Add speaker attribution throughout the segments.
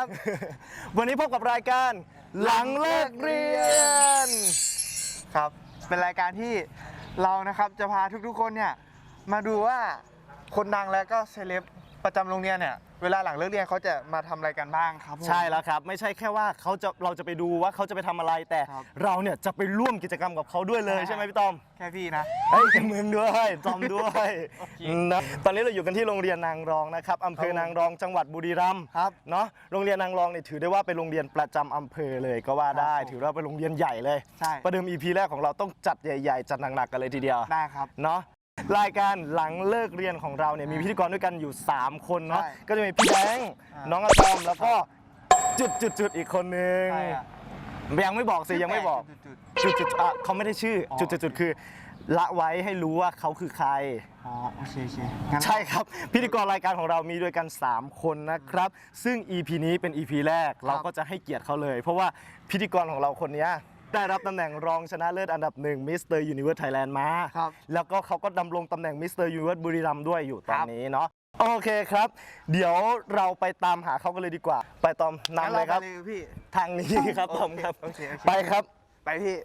Speaker 1: วันนี้พบกับรายการหลังเลิกเรียนครับเป็นรายการที่เรานะครับจะพาทุกๆคนเนี่ยมาดูว่าคนดังและก็เซเลบประจำโรงเรียนเนี่ยเวลาหลังเลิกเรียนเขาจะมาทำอะไรกันบ้างครับ
Speaker 2: ใช่แล้วครับไม่ใช่แค่ว่าเราจะไปดูว่าเขาจะไปทำอะไรแต่เราเนี่ยจะไปร่วมกิจกรรมกับเขาด้วยเลยใช่ไหมพี่ต้อม
Speaker 1: แค่พี่นะ
Speaker 2: เฮ้ยมึงด้วยจอมด้วยนะตอนนี้เราอยู่กันที่โรงเรียนนางรองนะครับอำเภอนางรองจังหวัดบุรีรัมย์
Speaker 1: ครับ
Speaker 2: เนาะโรงเรียนนางรองเนี่ยถือได้ว่าเป็นโรงเรียนประจำอำเภอเลยก็ว่าได้ถือว่าเป็นโรงเรียนใหญ่เลย
Speaker 1: ใช่
Speaker 2: ประเดิม EP แรกของเราต้องจัดใหญ่ๆจัดหนักๆกันเลยทีเดียว
Speaker 1: ได้ครับ
Speaker 2: เนาะรายการหลังเลิกเรียนของเราเนี่ยมีพิธีกรด้วยกันอยู่3คนเนาะก็จะมีพี่แบงค์น้องอะตอมแล้วก็จุดอีกคนนึงยังไม่บอกสิยังไม่บอกจุดเขาไม่ได้ชื่อจุดคือละไว้ให้รู้ว่าเขาคือใคร
Speaker 1: อ๋อโอเค
Speaker 2: ใช่ครับพิธีกรรายการของเรามีด้วยกัน3คนนะครับซึ่ง EP นี้เป็น EP แรกเราก็จะให้เกียรติเขาเลยเพราะว่าพิธีกรของเราคนนี้ได้รับตำแหน่งรองชนะเลิศอันดับ1มิสเตอร์ยูนิเวิร์สไทยแลนด์มาแล้วก็เขาก็ดำรงตำแหน่งมิสเตอร์ยูนิเวิร์สบุรีรัมย์ด้วยอยู่ตอนนี้เนาะโอเคครับเดี๋ยวเราไปตามหาเขากันเลยดีกว่าไปตอมนำเลยครับทางนี้ครับตอมครับไปครับ
Speaker 1: ไปพี่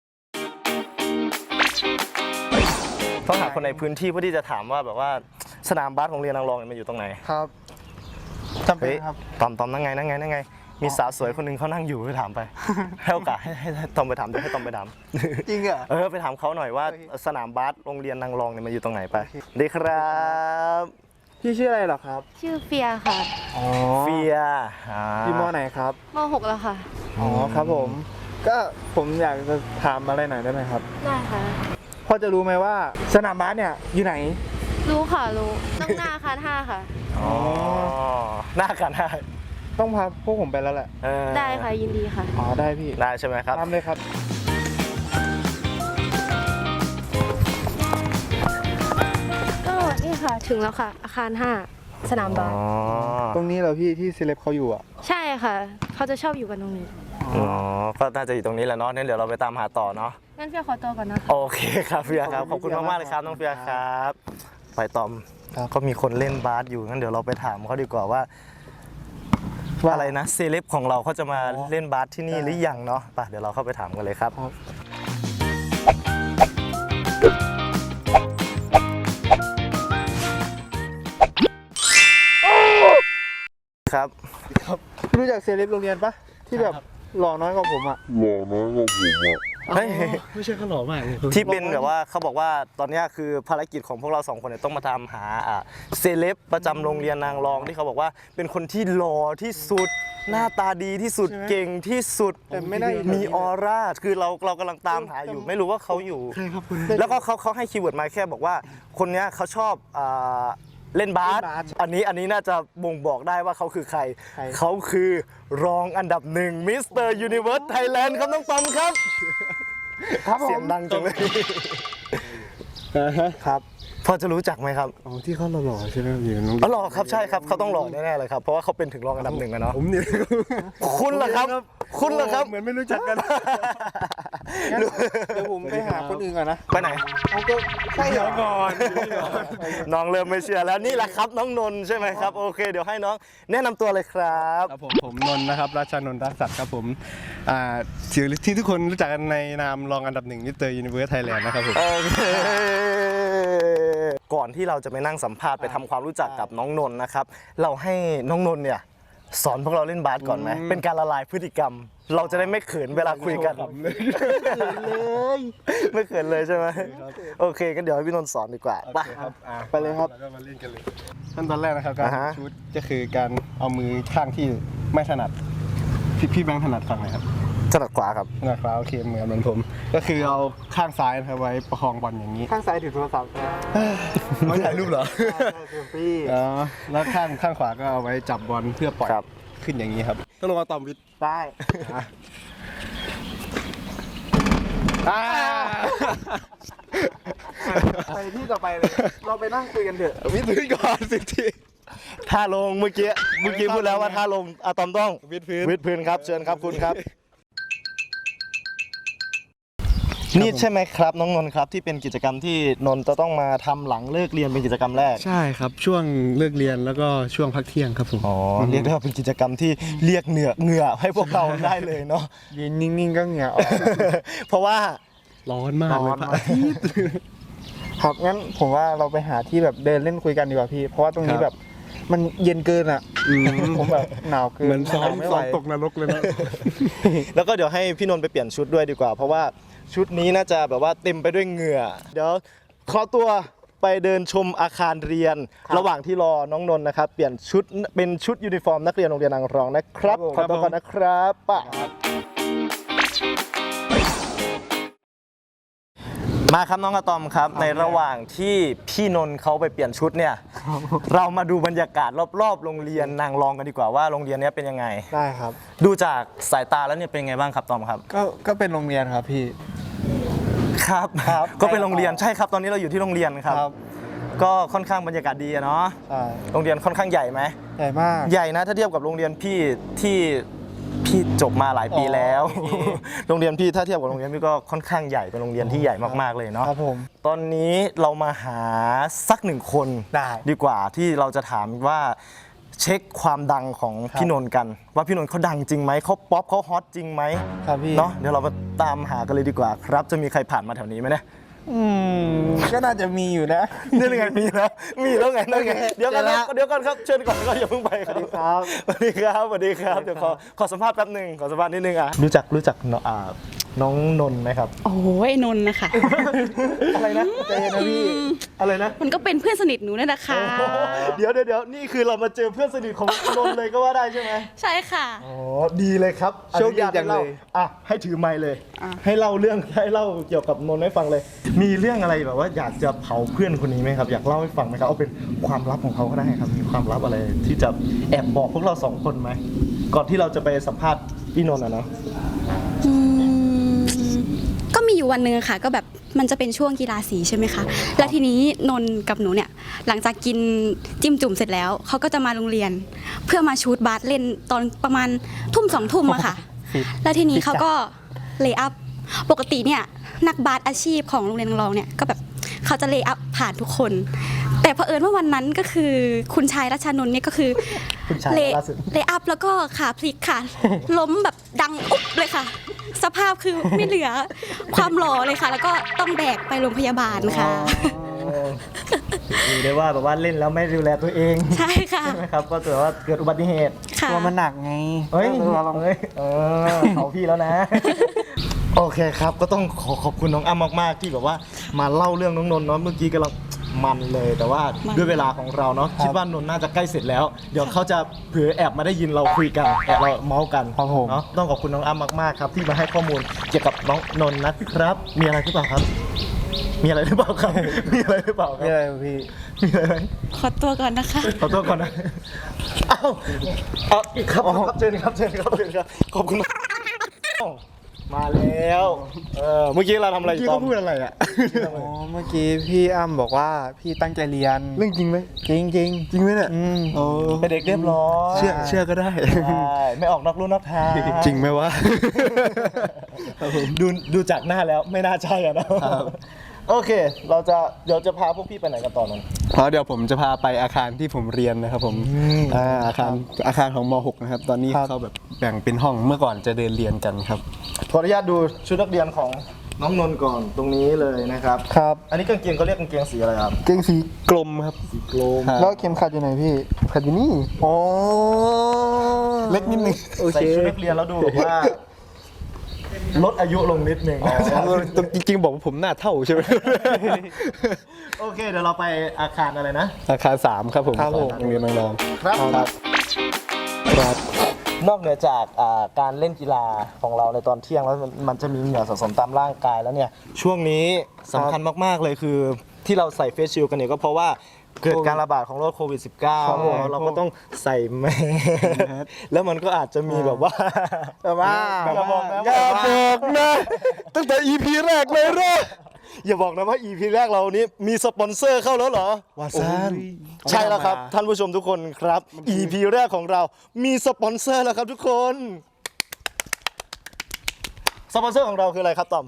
Speaker 2: ต้องหาคนในพื้นที่เพื่อที่จะถามว่าแบบว่าสนามบาสของโรงเรียนนางรองมันอยู่ตรงไหน
Speaker 1: ครับจำเป็นครับ
Speaker 2: ตอมนั่งไงมีสาวสวยคนหนึ่งเขานั่งอยู่ไปถามไปให้โอกาสให้ตอมไปถามให้ตอมไปถาม
Speaker 1: จริงเหรอ
Speaker 2: ไปถามเขาหน่อยว่าสนามบาสโรงเรียนนางรองเนี่ยมันอยู่ตรงไหนไปดีครับ
Speaker 1: พี่ชื่ออะไรเหรอครับ
Speaker 3: ชื่อเฟียค่ะ
Speaker 2: เฟีย
Speaker 1: พี่มอไหนครับ
Speaker 3: ม.6 แล้วค่ะ
Speaker 1: อ๋อครับผมก็ผมอยากจะถามอะไรหน่อยได้ไหมครับ
Speaker 3: ได้ค่ะ
Speaker 1: พอจะรู้ไหมว่าสนามบาสเนี่ยอยู่ไหน
Speaker 3: รู้ค่ะรู้ต้องหน้าอาคาร5ค่ะ
Speaker 2: อ๋อหน้าอาคาร5
Speaker 1: ต้องพาพวกผมไปแล้วแหละ
Speaker 3: ได้ค่ะยินดีค่ะ
Speaker 1: อ๋อได้พี่
Speaker 2: ได้ใช่ไหมครับ
Speaker 1: ทำเลยครับ
Speaker 3: ก็นี่ค่ะถึงแล้วค่ะอาคาร5สนามบาส
Speaker 1: ตรงนี้เหรอพี่ที่เซเลบเขาอยู่อ่ะ
Speaker 3: ใช่ค่ะเขาจะชอบอยู่กันตรงนี้
Speaker 2: ก็น่าจะอยู่ตรงนี้แหละเนาะงั้นเดี๋ยวเราไปตามหาต่อเนาะ
Speaker 3: งั้นเฟียขอตัวก่อนนะ
Speaker 2: โอเคครับเฟียครับขอบคุณมากๆเลยครับน้องเฟียครับไปตอมก็มีคนเล่นบาสอยู่งั้นเดี๋ยวเราไปถามเขาดีกว่าว่าอะไรนะเซเลบของเราเขาจะมาเล่นบาสที่นี่หรือยังเนาะไปเดี๋ยวเราเข้าไปถามกันเลยครับครับ
Speaker 1: รู้จักเซเลบโรงเรียนปะที่แบบหล่อน้อยกว่าผมอ่ะไม่ใช่เขาหล่อมากเลย
Speaker 2: ที่เป็นแบบว่าเขาบอกว่าตอนนี้คือภารกิจของพวกเรา2คนเนี่ยต้องมาตามหาเซเลบประจำโรงเรียนนางรองที่เขาบอกว่าเป็นคนที่หล่อที่สุดหน้าตาดีที่สุดเก่งที่สุด
Speaker 1: แต่ไม่ได้
Speaker 2: มีออร่าคือเรากำลังตามหาอยู่ไม่รู้ว่าเขาอยู่แล้วก็เขาให้คีย์เวิร์ดมาแค่บอกว่าคนนี้เขาชอบเล่นบาสอันนี้น่าจะบ่งบอกได้ว่าเขาคือใครเขาคือรองอันดับ1มิสเตอร์ยูนิเวิร์สไทยแลนด์ครับน้องตอมครับเสียงดังจังเลย
Speaker 1: ครับ
Speaker 2: พอจะรู้จักไหมครับ
Speaker 1: อ๋อที่เขาหล่อใช่ไหมอยู่น้อง
Speaker 2: หล่อครับใช่ครับเขาต้องหล่อแน่ๆเลยครับเพราะว่าเขาเป็นถึงรองอันดับ1นะเนาะ
Speaker 1: ผมเนี่ย
Speaker 2: คุณล่ะครับคุณล่ะครับ
Speaker 1: เหมือนไม่รู้จักกันเดี๋ยวผมไปหาคนอื่นก่อนนะ
Speaker 2: ไปไหน
Speaker 1: เขาก็ใช่ก่อน
Speaker 2: น้องเริ่มไม่เชื่อแล้วนี่แหละครับน้องนนท์ใช่ไหมครับโอเคเดี๋ยวให้น้องแนะนำตัวเลยครับ
Speaker 1: ครับผมนนท์นะครับราชานนท์รักษัตริย์ครับผมชื่อที่ทุกคนรู้จักกันในนามรองอันดับ1มิสเตอร์ยูนิเวิร์สไทยแลนด์นะครับผม
Speaker 2: ก่อนที่เราจะไปนั่งสัมภาษณ์ไปทำความรู้จักกับน้องนนท์นะครับเราให้น้องนนท์เนี่ยสอนพวกเราเล่นบาสก่อนไหมเป็นการละลายพฤติกรรมเราจะได้ไม่เขินเวลาคุยกันไม่เขินเลยใช่ไหมโอเคก็เดี๋ยวให้พี่นนท์สอนดีกว่า
Speaker 1: ไปเลยครับแล้วก็มาเล่นกันเลยขั้นตอนแรกนะครับการชูตก็คือการเอามือข้างที่ไม่ถนัดพี่แบงค์ถนัดฝั่งไหนครับ
Speaker 2: ถนัดขวาครับ
Speaker 1: ถนัดขวาโอเคเหมือนผมก็คือเอาข้างซ้ายนะครับไว้ประคองบอลอย่างนี้ข้างซ้ายถือโทรศัพท์
Speaker 2: ไม่ถ่ายรูปเหรอ
Speaker 1: พี่แล้วข้างขวาก็เอาไว้จับบอลเพื่อปล่อยขึ้นอย่างนี้ครับต้องลงมาต่อมวิทย์
Speaker 2: ได้
Speaker 1: ไปที่ต่อไปเลยเราไปนั่งคุยกันเถอะ
Speaker 2: วิทย์พื้นก่อนสิทีท่าลงเมื่อกี้พูดแล้วว่าท่าลงอะตอมต้อง
Speaker 1: วิทย์พื้น
Speaker 2: ครับเชิญครับคุณครับนี่ใช่ไหมครับน้องนนท์ครับที่เป็นกิจกรรมที่นนท์จะต้องมาทำหลังเลิกเรียนเป็นกิจกรรมแรก
Speaker 4: ใช่ครับช่วงเลิกเรียนแล้วก็ช่วงพักเที่ยงครับผม
Speaker 2: อ๋อเรียกได้ว่าเป็นกิจกรรมที่เรียกเหงื่อให้พวกเราได้เลยเนาะ
Speaker 1: ยืนนิ่งๆก็เหงื่อออก
Speaker 2: เพราะว่า
Speaker 4: ร้อนมากเลย
Speaker 1: ร้อน
Speaker 4: พระ
Speaker 1: มาก
Speaker 4: อาทิตย์
Speaker 1: ครับงั้นผมว่าเราไปหาที่แบบเดินเล่นคุยกันดีกว่าพี่ เพราะว่าตรงนี้
Speaker 4: ครับ
Speaker 1: แบบมันเย็นเกินอ่ะ ผมแบบหนาวเกิน
Speaker 4: เหมือนซ้อม
Speaker 1: ไม่
Speaker 4: ซ้
Speaker 1: ไหว
Speaker 4: อมตกนรกเลยนะ
Speaker 2: แล้วก็เดี๋ยวให้พี่นนท์ไปเปลี่ยนชุดด้วยดีกว่า เพราะว่าชุดนี้น่าจะแบบว่าเต็มไปด้วยเหงื่อ เดี๋ยวขอตัวไปเดินชมอาคารเรียน ระหว่างที่รอน้องนนท์นะครับเปลี่ยนชุดเป็นชุดยูนิฟอร์มนักเรียนโรงเรียนนางรองนะครับขอตัวก่อนนะครับป่ะมาครับน้องอะตอมครับในระหว่างที่พี่นนท์เขาไปเปลี่ยนชุดเนี่ยเรามาดูบรรยากาศรอบๆโรงเรียนนางรองกันดีกว่าว่าโรงเรียนนี้เป็นยังไง
Speaker 1: ได้ครับ
Speaker 2: ดูจากสายตาแล้วเนี่ยเป็นไงบ้างครับตอมครับ
Speaker 1: ก็เป็นโรงเรียนครับพี่
Speaker 2: ครับ
Speaker 1: ครับ
Speaker 2: ก็เป็นโรงเรียนใช่ครับตอนนี้เราอยู่ที่โรงเรียนครับ ก็ค่อนข้างบรรยากาศดีอะเนาะ
Speaker 1: ใช่
Speaker 2: โรงเรียนค่อนข้างใหญ่ไหม
Speaker 1: ใหญ่มาก
Speaker 2: ใหญ่นะถ้าเทียบกับโรงเรียนพี่ที่พี่จบมาหลายปีแล้ว
Speaker 1: โอเค
Speaker 2: โรงเรียนพี่ถ้าเทียบกับโรงเรียนพี่ก็ค่อนข้างใหญ่เป็นโรงเรียนที่ใหญ่มากๆเลยเนาะ
Speaker 1: ครับผม
Speaker 2: ตอนนี้เรามาหาสักหนึ่งคน
Speaker 1: ได้
Speaker 2: ดีกว่าที่เราจะถามว่าเช็คความดังของพี่นนท์กัน ว่าพี่นนท์เขาดังจริงไหมเขาป๊อปเขาฮอตจริงไหม
Speaker 1: ครับพี่
Speaker 2: เนาะเดี๋ยวเรามาตามหากันเลยดีกว่าครับ จะมีใครผ่านมาแถวนี้ไหมเนี่ย
Speaker 1: ก็น่าจะมีอยู่นะ
Speaker 2: นี่ไงมีแล้วไงนั่นไง
Speaker 1: โอเค
Speaker 2: เดี๋ยวกันนะ
Speaker 1: เจอแล้ว
Speaker 2: เดี๋ยวก่อนครับเชิญก่อนก็อย่าเพิ่งไปครับ
Speaker 1: สวัสดีครับ
Speaker 2: สวัสดีครับเดี๋ยวขอสัมภาษณ์แป๊บหนึ่งขอสัมภาษณ์นิดนึงอ่ะรู้จักน้องนนท์ไหมครับ
Speaker 5: โอ้ยนนท์นะคะ
Speaker 2: อะไรนะใจเย็นนะพี่อะไรนะ
Speaker 5: มันก็เป็นเพื่อนสนิทหนูนั่นนะคะ
Speaker 2: เดี๋ยวนี่คือเรามาเจอเพื่อนสนิทของนนท์เลยก็ว่าได้ใช่ไหม
Speaker 5: ใช่ค่ะ
Speaker 2: อ๋อดีเลยครับ
Speaker 1: โชคดีจังเลย
Speaker 2: อนุญาตให้ล่าอ่ะให้ถือไมค์เลย
Speaker 5: อ่ะ
Speaker 2: ให้เล่าเกี่ยวกับนนท์ให้ฟังเลย มีเรื่องอะไรแบบว่าอยากจะเผาเพื่อนคนนี้ไหมครับอยากเล่าให้ฟังไหมครับเอาเป็นความลับของเขาก็ได้ครับมีความลับอะไรที่จะแอบบอกพวกเราสองคนไหมก่อนที่เราจะไปสัมภาษณ์พี่นนท์อะเนาะ
Speaker 5: อืมก็มีอยู่วันหนึ่งค่ะ ก็แบบมันจะเป็นช่วงกีฬาสีใช่ไหมคะ แล้วทีนี้นนท์กับหนูเนี่ย หลังจากกินจิ้มจุ่มเสร็จแล้ว เขาก็จะมาโรงเรียน เพื่อมาชูตบาสเล่นตอนประมาณทุ่ม2 ทุ่มอะค่ะ แล้วทีนี้เขาก็เลย์อัพ ปกติเนี่ยนักบาสอาชีพของโรงเรียนนางรองเนี่ยก็แบบเขาจะเลย์อัพผ่านทุกคน แต่เผอิญว่าวันนั้นก็คือคุณชายรัชานนท์เนี่ยก็คือ
Speaker 2: คุณชาย
Speaker 5: เล
Speaker 2: ล่าสุด
Speaker 5: ย์อัพแล้วก็ขาพลิกค่ะ ล้มแบบดังอุ๊บเลยค่ะ สภาพคือไม่เหลือความหล่อเลยค่ะ แล้วก็ต้องแบกไปโรงพยาบาลค่ะ
Speaker 2: ดูได้ว่าแบบว่าเล่นแล้วไม่ดูแลตัวเอง
Speaker 5: ใช่ค่ะ
Speaker 2: ใช่ไหมครับก็ถือว่าเกิดอุบัติเหตุ
Speaker 5: ค่ะ
Speaker 1: ตัวมันหนักไง
Speaker 2: เฮ้ย
Speaker 1: เราลอง
Speaker 2: เขาพี่แล้วนะ โอเคครับก็ต้องขอบคุณน้องอ้ำมากๆที่แบบว่ามาเล่าเรื่องน้องนนท์เนาะเมื่อกี้กำลังมันเลยแต่ว่าด้วยเวลาของเราเนาะคิดว่านนท์น่าจะใกล้เสร็จแล้ว เดี๋ยวเขาจะเผื่อแอบมาได้ยินเราคุยกันแอบเราเมาส์กัน
Speaker 1: ครับผม
Speaker 2: เนาะต้องขอบคุณน้องอ้ำมากๆครับที่มาให้ข้อมูลเกี่ยวกับน้องนนท์นะครับ มีอะไรหรือเปล่าครับ มีอะไรหรือเปล่าครับ มีอะไรหรือเปล่าค
Speaker 1: นี่
Speaker 2: รับ
Speaker 1: อะไรพี่
Speaker 2: มีอะไรไหม
Speaker 5: ขอตัวก่อนนะคะ
Speaker 2: ขอโทษก่อนนะเอาอีกครับเชิญครับขอบคุณมากมาแล้วเมื่อกี้เราทำอะไร
Speaker 4: เมื่อกี้
Speaker 2: ตอ
Speaker 4: เขา
Speaker 2: ม
Speaker 4: พูดอะไรอ่ะ
Speaker 1: อ๋อเมื่อกี้พี่อ้ำบอกว่าพี่ตั้งใจเรียน
Speaker 4: เรื่องจริงไหม
Speaker 1: จริงจริง
Speaker 4: จริงไหมเนี่ย
Speaker 1: โอ้
Speaker 2: เป็นเด็กเรียบร้อย
Speaker 4: เชื่อก็ได้
Speaker 2: ใช่ไม่ออกนอกลู่นอกทาง
Speaker 4: จริงไหมวะ
Speaker 2: ดูจากหน้าแล้วไม่น่าใช่อะนะโอเคเดี๋ยวจะพาพวกพี่ไปไหนกันต่อนั้น
Speaker 4: เพราะเดี๋ยวผมจะพาไปอาคารที่ผมเรียนนะครับผมอาคารของม .6 นะครับ ตอนนี้เขาแบบแบ่งเป็นห้องเมื่อก่อนจะเดินเรียนกันครับ
Speaker 2: ขออนุญาตดูชุดนักเรียนของน้องนนท์ก่อนตรงนี้เลยนะครับ
Speaker 1: ครับ
Speaker 2: อันนี้กางเกงเขาเรียกกางเกงสีอะไรครับ
Speaker 4: เกงสีกลมครับ
Speaker 2: สีกลม
Speaker 4: ครับ
Speaker 1: แล้วเข็มขัดอยู่ไหนพี่
Speaker 4: ขัดอยู่นี่
Speaker 1: โอ้
Speaker 4: เล็กนิดนึง
Speaker 2: ใส่ชุดนักเรียนแล้วดูแบบว่าลดอายุลงนิดนึง
Speaker 4: จริงๆบอกว่าผมหน้าเท่าใช่ไหม
Speaker 2: โอเคเดี๋ยวเราไปอาคารอะไรนะ
Speaker 4: อาคาร3ครับผม
Speaker 1: ครับผม
Speaker 4: โรงเรียนนางรอง
Speaker 2: ครับ
Speaker 4: ครับ
Speaker 2: นอกเหนือจากการเล่นกีฬาของเราในตอนเที่ยงแล้วมันจะมีเหงื่อสะสมตามร่างกายแล้วเนี่ยช่วงนี้สำคัญมากๆเลยคือที่เราใส่เฟสชิลด์กันเนี่ยก็เพราะว่าเกิดการระบาดของโรคโควิด
Speaker 1: ครับผม
Speaker 2: -19 เราก็ต้องใส่แมสแล้วมันก็อาจจะมีแบบว่า
Speaker 1: แบบว่า
Speaker 2: อย่าบอกนะ
Speaker 4: อย่าบอกนะตั้งแต่ EP แรกเลยเหรอ
Speaker 2: อย่าบอกนะว่า EP แรกเรานี้มีสปอนเซอร์เข้าแล้วเหรอ
Speaker 4: วาซัน
Speaker 2: ใช่แล้วครับท่านผู้ชมทุกคนครับ EP แรกของเรามีสปอนเซอร์แล้วครับทุกคนสปอนเซอร์ของเราคืออะไรครับตอม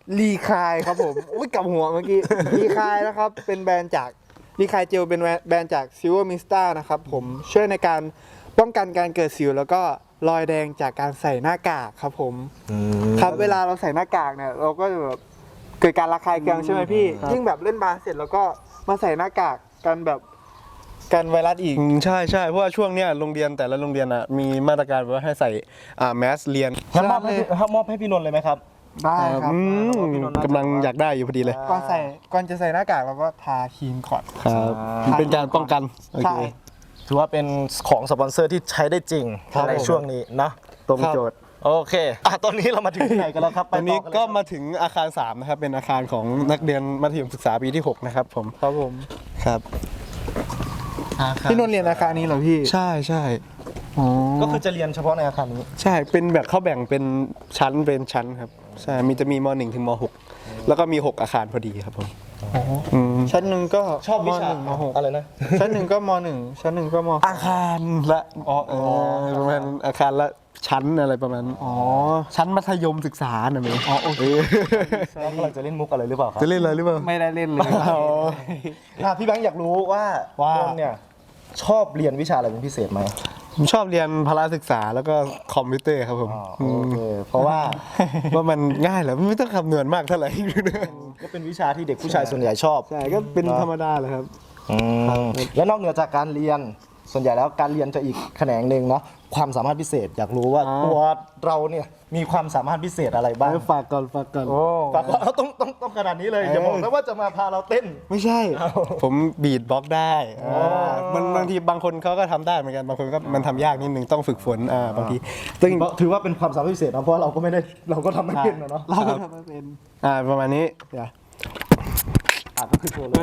Speaker 1: รีคายครับผมอุ้ยกลับหัวเมื่อกี้รีคายนะครับเป็นแบรนด์จากรีคายเจลเป็นแบรนด์จาก Silver Mista นะครับผมช่วยในการป้องกันการเกิดสิวแล้วก็รอยแดงจากการใส่หน้ากากครับผมครับเวลาเราใส่หน้ากากเนี่ยเราก็จะแบบเกิดการระคายเคืองใช่ไหมพี่ยิ่งแบบเล่นบาสเสร็จแล้วก็มาใส่หน้ากากกันแบบกันไวรัสอีก
Speaker 4: ใช่ใช่เพราะว่าช่วงเนี้ยโรงเรียนแต่ละโรงเรียนอ่ะมีมาตรการว่าให้ใส่แมสเรียน
Speaker 2: งั้นมอบให้พี่นนท์เลยไหมครับ
Speaker 1: ได้ครับ
Speaker 4: กำลังอยากได้อยู่พอดีเลย
Speaker 1: ก่อนจะใส่หน้ากากเราก็ทาครีมก่อน
Speaker 4: ครับเป็นการป้องกันโอ
Speaker 1: ใช่
Speaker 4: เค
Speaker 2: ถือว่าเป็นของสปอนเซอร์ที่ใช้ได้จริง
Speaker 1: ครับ
Speaker 2: ในช่วงนี้นะตรงโจทย์โอเคตอนนี้เรามาถึงที่ไหนกันแล้วครับ
Speaker 4: ตอนนี้
Speaker 2: ไป
Speaker 4: ก็
Speaker 2: เลย
Speaker 4: มาถึงอาคาร3นะครับเป็นอาคารของนักเรียนมัธยมศึกษาปีที่6นะครับผม
Speaker 1: ครับผม
Speaker 4: ครับ
Speaker 1: พี่นนท์เรียนอาคารนี้เหรอพี่
Speaker 4: ใช่ใช่
Speaker 1: อ๋อ
Speaker 2: ก็คือจะเรียนเฉพาะในอาคารนี้
Speaker 4: ใช่เป็นแบบเขาแบ่งเป็นชั้นครับใช่มีจะมีม.1 ถึงม.6 แล้วก็มี 6 อาคารพอดีครับผมม
Speaker 1: ชั้นหนึ่งก็
Speaker 2: ชอบวิชา
Speaker 1: หนึ่งมหก
Speaker 2: อะไรนะ
Speaker 1: ชั้นหนึ่งก็มหนึ่งชั้นหนึ่งก็ม
Speaker 4: อาคารละประมาณอาคารละชั้นอะไรประมาณ
Speaker 1: อ๋อ
Speaker 4: ชั้นมัธยมศึกษาน่ะมั้ยอ๋อโอเค
Speaker 2: น้องกำลังจะเล่นมุกอะไรหรือเปล่าครับ
Speaker 4: จะเล่นอะไรหรือเปล่า
Speaker 1: ไม่ได้เล่นเลย
Speaker 2: พี่แบงค์อยากรู้ว่านนท์เนี่ยชอบเรียนวิชาอะไรเป็นพิเศษไหม
Speaker 4: ผมชอบเรียนพละศึกษาแล้วก็คอมพิวเตอร์ครับผม
Speaker 2: โอเคเพราะว่า
Speaker 4: ว่ามันง่ายแหละไม่ต้องคำนวณมากเท่าไหร่
Speaker 2: ก็เป็นวิชาที่เด็กผู้ชายส่วนใหญ่ชอบ
Speaker 4: ใช่ก็เป็นธรรมดาเลยครับ
Speaker 2: แล้วนอกเหนือจากการเรียนส่วนใหญ่แล้วการเรียนจะอีกแขนงหนึ่งเนาะความสามารถพิเศษอยากรู้ว่าตัวเราเนี่ยมีความสามารถพิเศษอะไรบ้าง
Speaker 4: ฝากก่อน
Speaker 2: ฝากก่อนต้องขนาดนี้เลยอย่าบอกนะว่าจะมาพาเราเต้น
Speaker 4: ไม่ใช่ ผมบีทบล็อกได้มันบางทีบางคนเขาก็ทำได้เหมือนกันบางคนก็มันทำยากนิดนึงต้องฝึกฝนบางทีซึ่ง
Speaker 2: ถือว่าเป็นความสามารถพิเศษนะเพราะเราก็ไม่ได้เราก็ทำไม่เป็นนะเนาะ
Speaker 1: เราก็ทำไม่เป็น
Speaker 4: ประมาณนี้เดี๋ยว
Speaker 2: ก็คือตัวเลย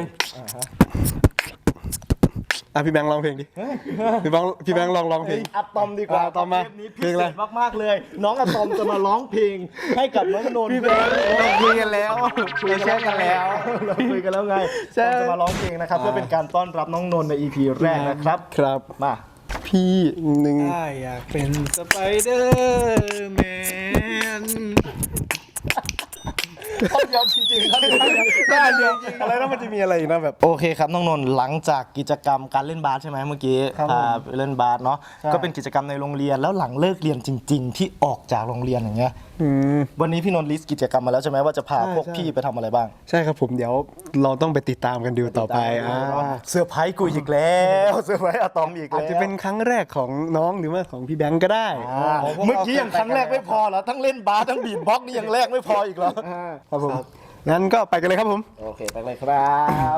Speaker 4: พี่แบงค์ร้องเพลงดิพี่แบงค์ลองเพลง
Speaker 2: อะตอมดีกว่า
Speaker 4: อะตอมมา
Speaker 2: เทปนี้
Speaker 4: เพ
Speaker 2: พิ
Speaker 4: ลง
Speaker 2: เศ
Speaker 4: อะไร
Speaker 2: ษมากๆเลย น้องอะตอมจะมาร้องเพลงให้กับน้องนนท์พี่แบงค์
Speaker 1: เราคุยกันแล้วเราแชร์กันแล้ว
Speaker 2: เราคุยกันแล้วไง
Speaker 1: ใช่
Speaker 2: ตอมจะมาร้องเพลงนะครับเพื่อเป็นการต้อนรับน้องนนท์ใน EP แรกนะครับ
Speaker 4: ครับ
Speaker 2: มา
Speaker 4: พี่หนึ่ง
Speaker 1: อยากเป็นสไปเดอร์แมน
Speaker 2: ต้องยอมจริงๆครับ
Speaker 4: ได้เดียวอะไรแล้วมันจะมีอะไรอีกนะแบบ
Speaker 2: โอเคครับน้องนนท์หลังจากกิจกรรมการเล่นบาสใช่ไหมเมื่อกี้พาไปเล่นบาสเนาะก็เป็นกิจกรรมในโรงเรียนแล้วหลังเลิกเรียนจริง ๆ ที่ออกจากโรงเรียนอย่างเงี้ยวันนี้พี่นนท์ลิสต์กิจกรรมมาแล้วใช่ไหมว่าจะพาพวกพี่ไปทำอะไรบ้าง
Speaker 4: ใช่ครับผมเดี๋ยวเราต้องไปติดตามกันดูต่อไป
Speaker 2: เซอร์ไพรส์กูอีกแล้วเซอร์ไพรส์อะตอมอีก
Speaker 4: อา
Speaker 2: แล้
Speaker 4: จ
Speaker 2: ว
Speaker 4: จะเป็นครั้งแรกของน้องหรือว่าของพี่แบงก์ก็ได้
Speaker 2: เมื่อกี้ยังครั้งแรกไม่พอเหรอทั้งเล่นบาสทั้งบีทบ็อกซ์นี่ยังแรกไม่พออีกเหรอ
Speaker 4: ครับผมงั้นก็ไปกันเลยครับผม
Speaker 2: โอเคไปเลยครับ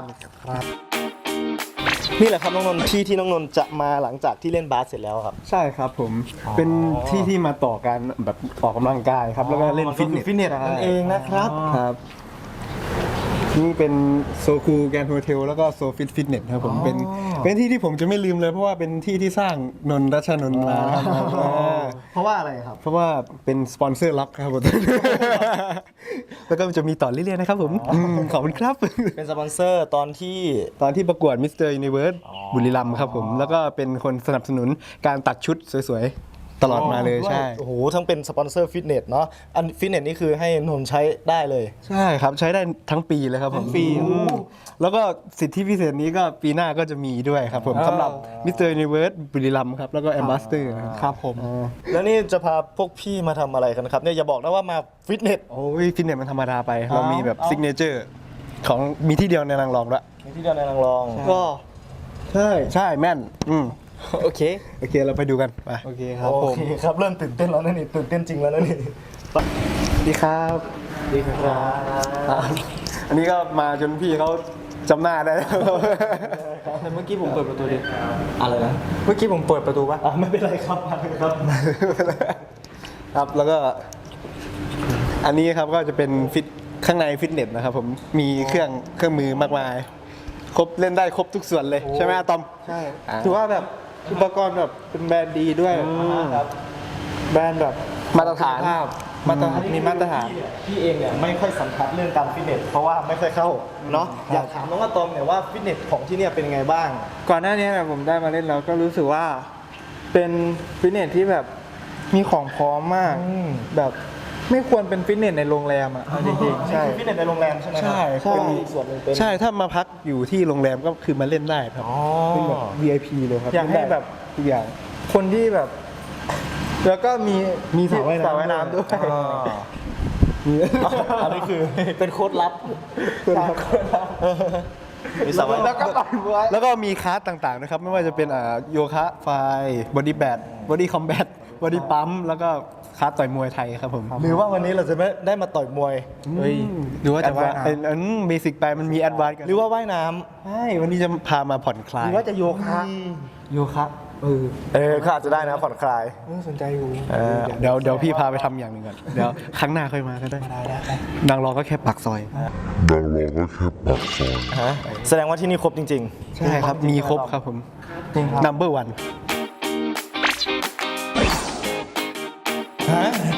Speaker 2: นี่แหละครับน้องนนท์ที่น้องนนท์จะมาหลังจากที่เล่นบาสเสร็จแล้วครับ
Speaker 4: ใช่ครับผมเป็นที่มาต่อกันแบบออกกำลังกายครับแล้วก็เล่นฟิตเนส
Speaker 2: ฟิตเนสนั่นเองนะครับ
Speaker 4: ครับนี่เป็นโซคูแกรนด์โฮเทลแล้วก็โซฟิตเนสครับผมเป็นที่ที่ผมจะไม่ลืมเลยเพราะว่าเป็นที่ที่สร้างนนท์รัชนนท์มาครับ
Speaker 2: เพราะว่าอะไรครับ
Speaker 4: เพราะว่าเป็นสปอนเซอร์ล็อกครับผม แล้วก็จะมีต่อเรื่อยๆนะครับผมขอบคุณครับ
Speaker 2: เป็นสปอนเซอร์ตอนที่
Speaker 4: ตอนที่ประกวดมิสเตอร์ยูนิเวิร์สบุรีรัมย์ครับผม แล้วก็เป็นคนสนับสนุนการตัดชุดสวยๆ ตลอดมาเลยใช่
Speaker 2: โอ้โหทั้งเป็นสปอนเซอร์ฟิตเนสเนาะอันฟิตเนสนี่คือให้นนท์ใช้ได้เลย
Speaker 4: ใช่ครับ ใช้ได้ทั้งปีเลยครับผม
Speaker 1: ปี
Speaker 4: แล้วก็สิทธิพิเศษนี้ก็ปีหน้าก็จะมีด้วยครับผมสำหรับมิสเตอร์ยูนิเวิร์สบุรีรัมย์ครับ แล้วก็แอมบาสเตอร์
Speaker 1: ครับผม
Speaker 2: แล้วนี่จะพาพวกพี่มาทำอะไรกันครับเนี่ยอย่าบอกนะว่ามาฟิตเนส
Speaker 4: โอ้ยฟิตเนสมันธรรมดาไป เรามีแบบซิกเนเจอร์ของมีที่เดียวในนางรองด้วย
Speaker 2: มีที่เดียวในนางรอง
Speaker 1: ก็
Speaker 4: ใช่แม่น
Speaker 1: โอเค
Speaker 4: โอเคเราไปดูกันไป
Speaker 1: โอเคครับ
Speaker 2: โอ
Speaker 1: ผม
Speaker 2: เคครับเริ่มตื่นเต้นแล้วนะนี่ตื่นเต้นจริงแล้วนะนี่
Speaker 4: ดีครับ
Speaker 2: ดีครับ
Speaker 4: อันนี้ก็มาจนพี่เขาจำหน้าได้แล้ว
Speaker 1: แต่เมื่อกี้ผมเปิดประตูดิ
Speaker 2: อะไรนะ
Speaker 1: เมื่อกี้ผมเปิดประตูปะ
Speaker 2: ไม่เป็นไรครับมาเลยครับ
Speaker 4: ครับแล้วก็อันนี้ครับก็จะเป็นฟิตข้างในฟิตเนสนะครับผมมีเครื่องมือมากมายครบเล่นได้ครบทุกส่วนเลยใช่ไหมอะตอม
Speaker 1: ใช่ถือว่าแบบอุปกรณ์แบบเป็นแบรนด์ดีด้วยแบรนด์แบบ
Speaker 4: มาตรฐาน
Speaker 1: ภาพมีมาตรฐาน
Speaker 2: พี่เองเนี่ยไม่ค่อยสันทัดเรื่องการฟิตเนสเพราะว่าไม่ค่อยเข้าเนาะอยากถามน้องอะตอมเนี่ยว่าฟิตเนสของที่เนี่ยเป็นยังไงบ้าง
Speaker 1: ก่อนหน้านี้เนี่ยผมได้มาเล่นแล้วก็รู้สึกว่าเป็นฟิตเนสที่แบบมีของพร้อมมากแบบไม่ควรเป็นฟิตเนสในโรงแรมอ่ะเอาจริงๆใช่
Speaker 2: ฟิตเนสในโรงแรมใช่ไหมครับ
Speaker 4: ใช่
Speaker 2: ก็มีส่วนหนึ่งเป็น
Speaker 4: ใช่ถ้ามาพักอยู่ที่โรงแรมก็คือมาเล่นได้ครับ
Speaker 2: อ๋อ
Speaker 4: เป็นแบบ VIP เลยครับ
Speaker 1: อยากให้แบบ
Speaker 4: ทุกอย่าง
Speaker 1: คนที่แบบ แล้วก็มี
Speaker 4: มีสระว่ายน้ำ
Speaker 1: สระว่ายน้ำด้วย
Speaker 2: อ่าอันนี้คือเป็นโค้ดลับมีสระว่าย
Speaker 1: แล้ว
Speaker 2: น้ำ
Speaker 1: ก็ต่อยมวย
Speaker 4: แล้วก็มีคลาสต่างๆนะครับ ไม่ว่าจะเป็นโยคะไฟบอดี้แบดบอดี้คอมแบทบอดี้ปั๊มแล้วก็คลาสต่อยมวยไทยครับผม
Speaker 2: หรือว่าวันนี้เราจะไม่ได้มาต่อยมวย
Speaker 4: เฮ้ยหรือว่าจะว่า
Speaker 1: แอดวานซ์
Speaker 4: เบสิกไปมันมีแอดวานซ์กัน
Speaker 2: หรือว่าว่ายน้ำ
Speaker 4: ใช่วันนี้จะพามาผ่อนคลา
Speaker 1: ห
Speaker 4: ย
Speaker 1: รือว่าจะโยคะ
Speaker 4: โยคะ
Speaker 2: ก็อาจจะได้นะผ่อนคลาย
Speaker 1: สนใจอยู่
Speaker 4: เดี๋ยวพี่พาไปทำอย่างหนึ่งก่อนเดี๋ยวครั้งหน้าค่อยมาก็ได้นางรอก็แค่ปากซอย
Speaker 2: แสดงว่าที่นี่ครบจริง
Speaker 4: ใช่ครับมีครบครับผม number one
Speaker 2: ๆ